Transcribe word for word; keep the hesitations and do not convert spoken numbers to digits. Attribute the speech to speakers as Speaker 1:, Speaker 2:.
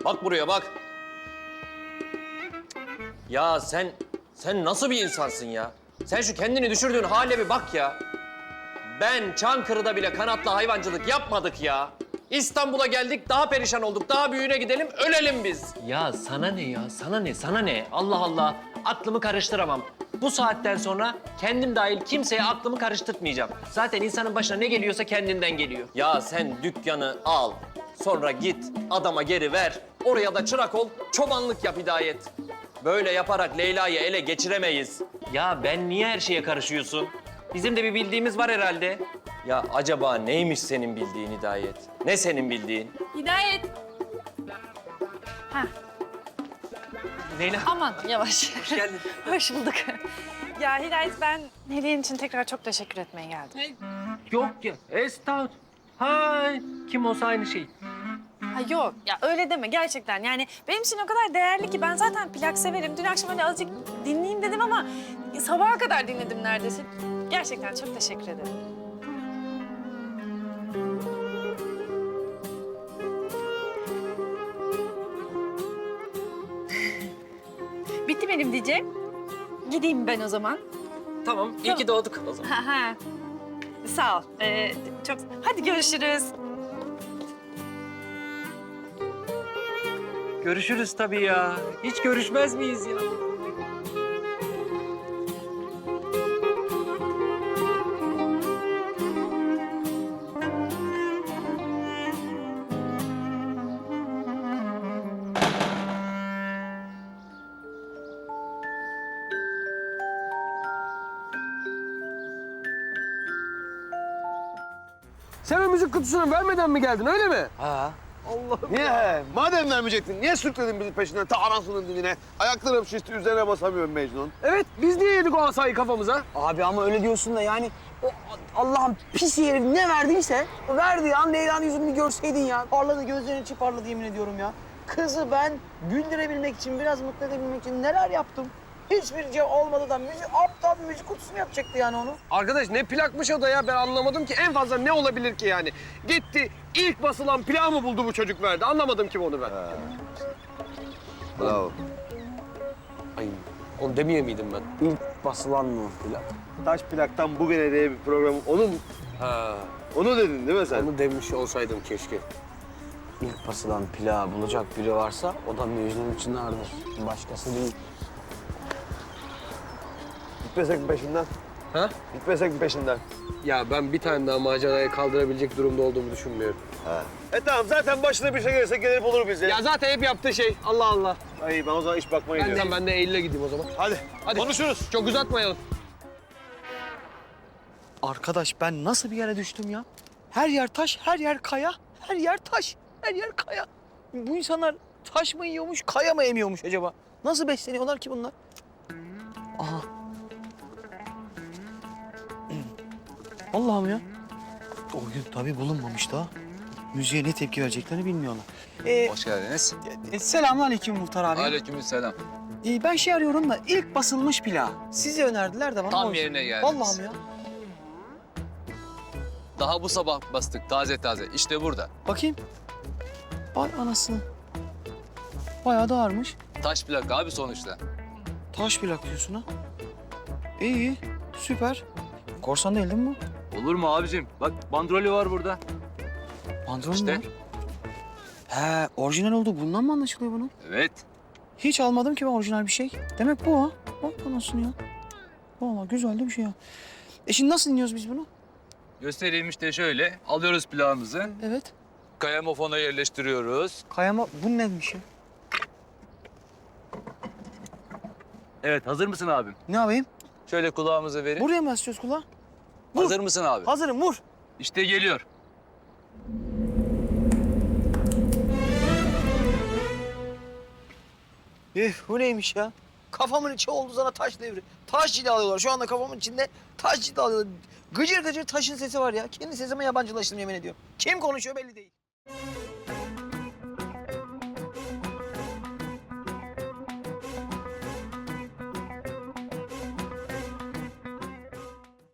Speaker 1: Bak buraya bak. Ya sen, sen nasıl bir insansın ya? Sen şu kendini düşürdüğün hale bir bak ya. Ben Çankırı'da bile kanatlı hayvancılık yapmadık ya. İstanbul'a geldik, daha perişan olduk. Daha büyüğüne gidelim, ölelim biz. Ya sana ne ya? Sana ne? Sana ne? Allah Allah. Aklımı karıştıramam. Bu saatten sonra kendim dahil kimseye aklımı karıştırmayacağım. Zaten insanın başına ne geliyorsa kendinden geliyor. Ya sen dükkanı al, sonra git adama geri ver. Oraya da çırak ol, çobanlık yap Hidayet. Böyle yaparak Leyla'yı ele geçiremeyiz. Ya ben niye her şeye karışıyorsun? Bizim de bir bildiğimiz var herhalde. Ya acaba neymiş senin bildiğin Hidayet? Ne senin bildiğin?
Speaker 2: Hidayet. Ha,
Speaker 1: Leyla.
Speaker 2: aman yavaş.
Speaker 1: Hoş geldin.
Speaker 2: Hoş bulduk. Ya Hidayet, ben hediyen için tekrar çok teşekkür etmeye geldim.
Speaker 1: Yok ya, estağfurullah. Hay, kim olsa aynı şey.
Speaker 2: Ha yok, ya öyle deme gerçekten. Yani benim için o kadar değerli ki ben zaten plak severim. Dün akşam öyle azıcık dinleyeyim dedim ama sabaha kadar dinledim neredeyse. Gerçekten çok teşekkür ederim. Bitti benim diyeceğim. Gideyim ben o zaman.
Speaker 1: Tamam, iyi ki doğduk o zaman.
Speaker 2: Ha ha. Sağ ol. Ee, çok. Hadi görüşürüz.
Speaker 1: Görüşürüz tabii ya. Hiç görüşmez miyiz ya?
Speaker 3: Sen o müzik kutusunu vermeden mi geldin, öyle mi?
Speaker 4: Ha.
Speaker 3: Allah'ım.
Speaker 4: Niye? Madem vermeyecektin, niye sürükledin bizi peşinden ta anasının dibine? Ayaklarım şişti, üzerine basamıyorum Mecnun.
Speaker 3: Evet, biz niye yedik o asayı kafamıza?
Speaker 5: Abi ama öyle diyorsun da yani o Allah'ın pis herif ne verdiyse o verdiği an Leyla'nın yüzünü bir görseydin ya. Parladı, gözlerinin içi parladı yemin ediyorum ya. Kızı ben güldürebilmek için, biraz mutlu edebilmek için neler yaptım. Hiçbir şey olmadı da müzik, aptal bir müzik kutusunu yapacaktı yani onu.
Speaker 3: Arkadaş ne plakmış o da ya, ben anlamadım ki. En fazla ne olabilir ki yani? Gitti, ilk basılan plağı mı buldu bu çocuk verdi? Anlamadım ki onu ben.
Speaker 4: Bravo.
Speaker 3: Ay, onu demeye miydim ben?
Speaker 5: İlk basılan mı plak?
Speaker 4: Taş plaktan bugüne diye bir program, onu mu?
Speaker 3: Ha,
Speaker 4: Onu dedin değil mi sen?
Speaker 3: onu demiş olsaydım keşke.
Speaker 5: İlk basılan plağı bulacak biri varsa o da Mecnun Çınar'dır. Başkası değil.
Speaker 4: Gitmesek mi peşinden?
Speaker 3: Ha?
Speaker 4: Gitmesek mi peşinden?
Speaker 3: Ya ben bir tane daha macerayı kaldırabilecek durumda olduğumu düşünmüyorum.
Speaker 4: Ha. E tamam, zaten başına bir şey gelirse gelip olur bize.
Speaker 3: Ya zaten hep yaptığı şey. Allah Allah.
Speaker 4: Ay ben o zaman iş bakmaya
Speaker 3: Ben
Speaker 4: gidiyorum.
Speaker 3: de, ben de Eylül'e gideyim o zaman.
Speaker 4: Hadi.
Speaker 3: Hadi.
Speaker 4: Konuşuruz.
Speaker 3: Çok uzatmayalım.
Speaker 5: Arkadaş ben nasıl bir yere düştüm ya? Her yer taş, her yer kaya, her yer taş, her yer kaya. Bu insanlar taş mı yiyormuş, kaya mı emiyormuş acaba? Nasıl besleniyorlar ki bunlar? Aha. Allah'ım ya. O gün tabii bulunmamış daha. Müziğe ne tepki vereceklerini bilmiyorlar. Ee,
Speaker 6: Hoş geldiniz.
Speaker 5: e, selamünaleyküm Muhtar abi.
Speaker 6: Aleykümselam.
Speaker 5: Ee, ben şey arıyorum da ilk basılmış plağı. Sizi önerdiler de bana.
Speaker 6: Tam
Speaker 5: o yüzden.
Speaker 6: yerine geldiniz.
Speaker 5: Vallahi mi ya?
Speaker 6: Daha bu sabah bastık taze taze. İşte burada.
Speaker 5: Bakayım. Vay anasını. Bayağı da ağırmış.
Speaker 6: Taş plak abi sonuçta.
Speaker 5: Taş plak diyorsun ha. İyi iyi. Süper. Korsan değil değil mi bu?
Speaker 6: Olur mu abicim? Bak bandrolü var burada.
Speaker 5: Pantolon
Speaker 6: İşte.
Speaker 5: mu var? He, orijinal oldu. Bundan mı anlaşılıyor bunun?
Speaker 6: Evet.
Speaker 5: Hiç almadım ki ben orijinal bir şey. Demek bu ha. Bak anasını ya. Vallahi güzel de bir şey ya. E şimdi nasıl dinliyoruz biz bunu?
Speaker 6: Göstereyim işte şöyle. Alıyoruz plağımızı.
Speaker 5: Evet.
Speaker 6: Kayamofona yerleştiriyoruz.
Speaker 5: Kayama, bu neymiş ya?
Speaker 6: Evet hazır mısın abim?
Speaker 5: Ne yapayım?
Speaker 6: Şöyle kulağımızı verin.
Speaker 5: Buraya mı asıyoruz kulağı? Vur.
Speaker 6: Hazır mısın abi?
Speaker 5: Hazırım, vur.
Speaker 6: İşte geliyor.
Speaker 5: Üf, bu neymiş ya? Kafamın içi oldu sana taş devri. Taş cilalıyorlar. Şu anda kafamın içinde taş cilalıyorlar. Gıcır gıcır taşın sesi var ya. Kendi sesime yabancılaştım yemin ediyorum. Kim konuşuyor belli değil.